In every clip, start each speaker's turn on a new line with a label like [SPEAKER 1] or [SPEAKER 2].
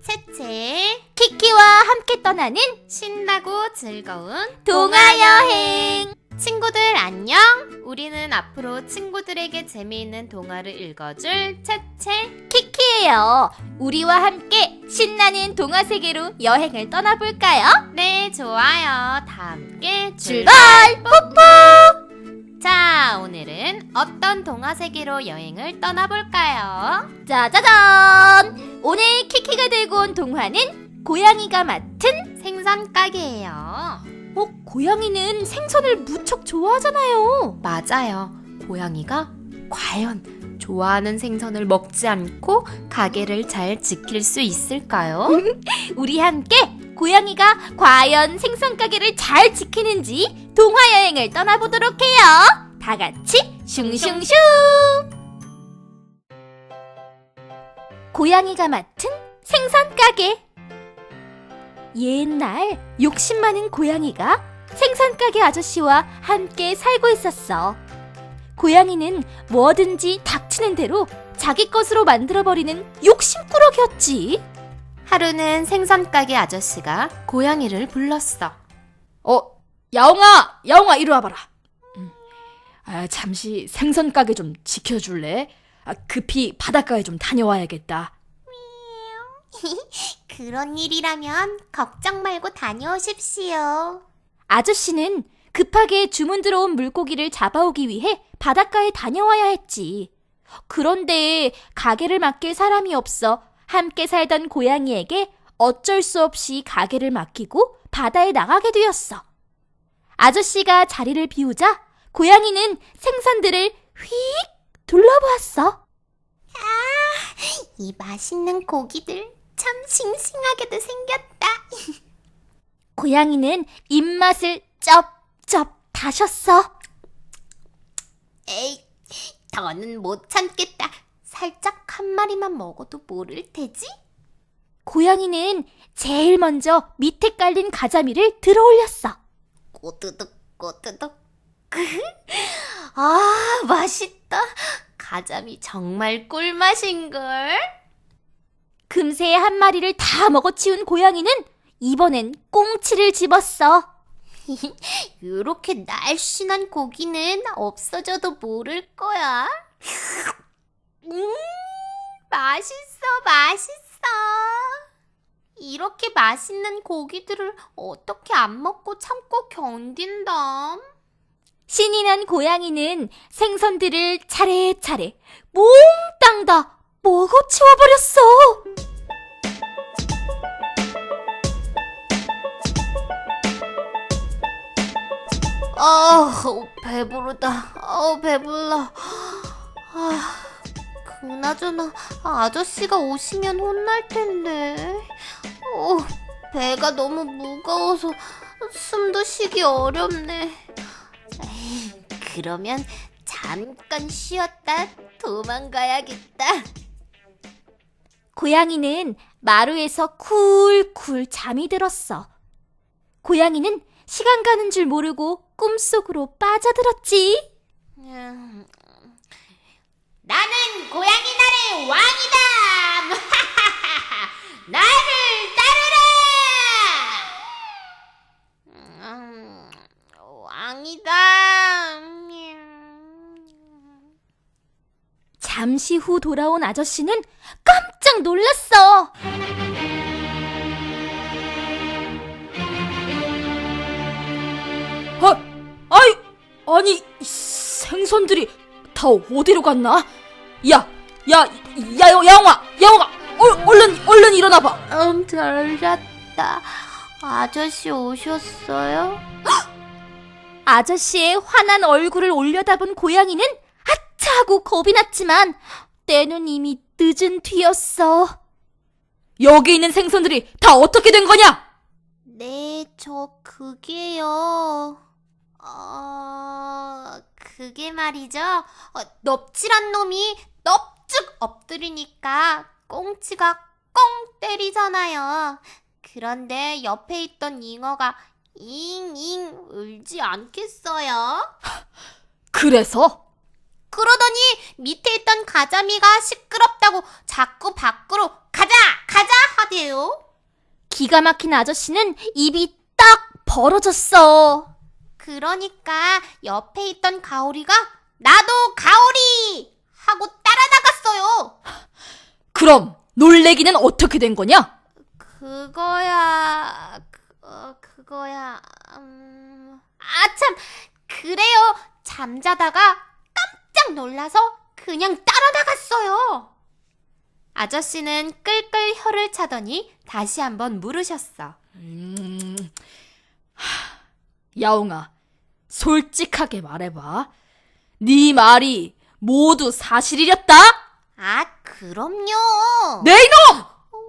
[SPEAKER 1] 채채
[SPEAKER 2] 키키와 함께 떠나는
[SPEAKER 1] 신나고 즐거운
[SPEAKER 2] 동화여행.
[SPEAKER 1] 친구들 안녕! 우리는 앞으로 친구들에게 재미있는 동화를 읽어줄 채채
[SPEAKER 2] 키키예요. 우리와 함께 신나는 동화 세계로 여행을 떠나볼까요?
[SPEAKER 1] 네, 좋아요. 다 함께
[SPEAKER 2] 출발!
[SPEAKER 1] 자, 오늘은 어떤 동화 세계로 여행을 떠나볼까요?
[SPEAKER 2] 짜자잔! 오늘 키키가 들고 온 동화는 고양이가 맡은
[SPEAKER 1] 생선 가게예요.
[SPEAKER 2] 고양이는 생선을 무척 좋아하잖아요.
[SPEAKER 1] 맞아요. 고양이가 과연 좋아하는 생선을 먹지 않고 가게를 잘 지킬 수 있을까요?
[SPEAKER 2] 우리 함께 고양이가 과연 생선 가게를 잘 지키는지 동화 여행을 떠나보도록 해요. 다 같이 슝슝슝! 고양이가 맡은 생선 가게. 옛날 욕심 많은 고양이가 생선 가게 아저씨와 함께 살고 있었어. 고양이는 뭐든지 닥치는 대로 자기 것으로 만들어버리는 욕심꾸러기였지.
[SPEAKER 1] 하루는 생선 가게 아저씨가 고양이를 불렀어.
[SPEAKER 3] 야옹아, 이리 와봐라. 잠시 생선 가게 좀 지켜줄래? 급히 바닷가에 좀 다녀와야겠다.
[SPEAKER 1] 그런 일이라면 걱정 말고 다녀오십시오.
[SPEAKER 2] 아저씨는 급하게 주문 들어온 물고기를 잡아오기 위해 바닷가에 다녀와야 했지. 그런데 가게를 맡길 사람이 없어 함께 살던 고양이에게 어쩔 수 없이 가게를 맡기고 바다에 나가게 되었어. 아저씨가 자리를 비우자 고양이는 생선들을 휙 둘러보았어.
[SPEAKER 1] 이 맛있는 고기들 참 싱싱하게도 생겼다.
[SPEAKER 2] 고양이는 입맛을 쩝쩝 다셨어.
[SPEAKER 1] 에이, 더는 못 참겠다. 살짝 한 마리만 먹어도 모를 테지?
[SPEAKER 2] 고양이는 제일 먼저 밑에 깔린 가자미를 들어 올렸어.
[SPEAKER 1] 꼬드득 꼬드득. 아, 맛있다. 가자미 정말 꿀맛인걸.
[SPEAKER 2] 금세 한 마리를 다 먹어치운 고양이는 이번엔 꽁치를 집었어.
[SPEAKER 1] 이렇게 날씬한 고기는 없어져도 모를 거야. 맛있어. 이렇게 맛있는 고기들을 어떻게 안 먹고 참고 견딘담?
[SPEAKER 2] 신이 난 고양이는 생선들을 차례차례 몽땅 다 먹어치워버렸어.
[SPEAKER 1] 배부르다. 배불러. 그나저나 아저씨가 오시면 혼날 텐데. 배가 너무 무거워서 숨도 쉬기 어렵네. 그러면 잠깐 쉬었다 도망가야겠다.
[SPEAKER 2] 고양이는 마루에서 쿨쿨 잠이 들었어. 고양이는 시간 가는 줄 모르고 꿈속으로 빠져들었지.
[SPEAKER 1] 나는 고양이 나라의 왕이다. 나를 따르라. 왕이다.
[SPEAKER 2] 잠시 후 돌아온 아저씨는 깜짝 놀랐어.
[SPEAKER 3] 아니, 생선들이 다 어디로 갔나? 야옹아, 얼른 일어나봐.
[SPEAKER 1] 잘 잤다. 아저씨 오셨어요?
[SPEAKER 2] 아저씨의 환한 얼굴을 올려다본 고양이는 아차 하고 겁이 났지만 때는 이미 늦은 뒤였어.
[SPEAKER 3] 여기 있는 생선들이 다 어떻게 된 거냐?
[SPEAKER 1] 네, 그게요. 그게 말이죠. 넙질한 놈이 넙죽 엎드리니까 꽁치가 꽁 때리잖아요. 그런데 옆에 있던 잉어가 잉잉 울지 않겠어요?
[SPEAKER 3] 그래서?
[SPEAKER 1] 그러더니 밑에 있던 가자미가 시끄럽다고 자꾸 밖으로 가자 하대 말이에요?
[SPEAKER 2] 기가 막힌 아저씨는 입이 딱 벌어졌어.
[SPEAKER 1] 그러니까 옆에 있던 가오리가 나도 가오리! 하고 따라 나갔어요.
[SPEAKER 3] 그럼 놀래기는 어떻게 된 거냐?
[SPEAKER 1] 그거야. 참, 그래요. 잠자다가 깜짝 놀라서 그냥 따라 나갔어요. 아저씨는 끌끌 혀를 차더니 다시 한번 물으셨어.
[SPEAKER 3] 야옹아, 솔직하게 말해봐. 네 말이 모두 사실이랬다?
[SPEAKER 1] 그럼요.
[SPEAKER 3] 네 이놈!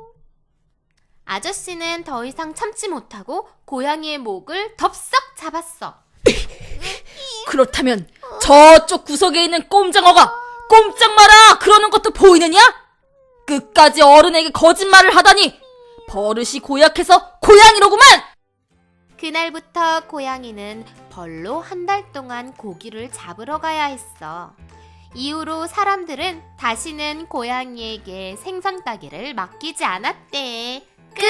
[SPEAKER 1] 아저씨는 더 이상 참지 못하고 고양이의 목을 덥석 잡았어.
[SPEAKER 3] 그렇다면 저쪽 구석에 있는 꼼장어가 꼼짝 마라 그러는 것도 보이느냐? 끝까지 어른에게 거짓말을 하다니 버릇이 고약해서 고양이로구만!
[SPEAKER 1] 그날부터 고양이는 벌로 한 달 동안 고기를 잡으러 가야 했어. 이후로 사람들은 다시는 고양이에게 생선 따기를 맡기지 않았대. 끝!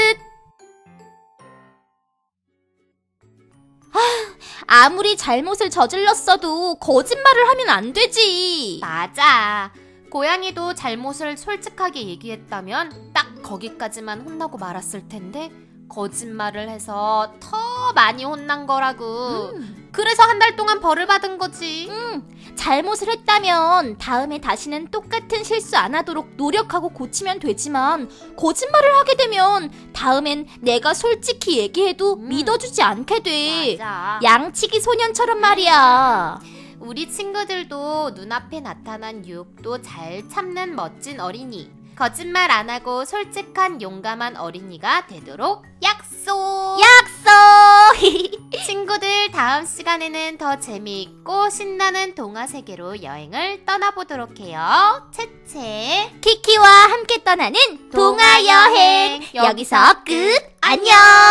[SPEAKER 2] 아무리 잘못을 저질렀어도 거짓말을 하면 안 되지.
[SPEAKER 1] 맞아. 고양이도 잘못을 솔직하게 얘기했다면 딱 거기까지만 혼나고 말았을 텐데 거짓말을 해서 더 많이 혼난 거라고. 그래서 한 달 동안 벌을 받은 거지.
[SPEAKER 2] 잘못을 했다면 다음에 다시는 똑같은 실수 안 하도록 노력하고 고치면 되지만 거짓말을 하게 되면 다음엔 내가 솔직히 얘기해도 믿어주지 않게 돼.
[SPEAKER 1] 맞아.
[SPEAKER 2] 양치기 소년처럼 말이야.
[SPEAKER 1] 우리 친구들도 눈앞에 나타난 유혹도 잘 참는 멋진 어린이. 거짓말 안 하고 솔직한 용감한 어린이가 되도록 약속!
[SPEAKER 2] 약속!
[SPEAKER 1] 친구들, 다음 시간에는 더 재미있고 신나는 동화 세계로 여행을 떠나보도록 해요. 채채
[SPEAKER 2] 키키와 함께 떠나는 동화 여행. 여기서 끝. 안녕.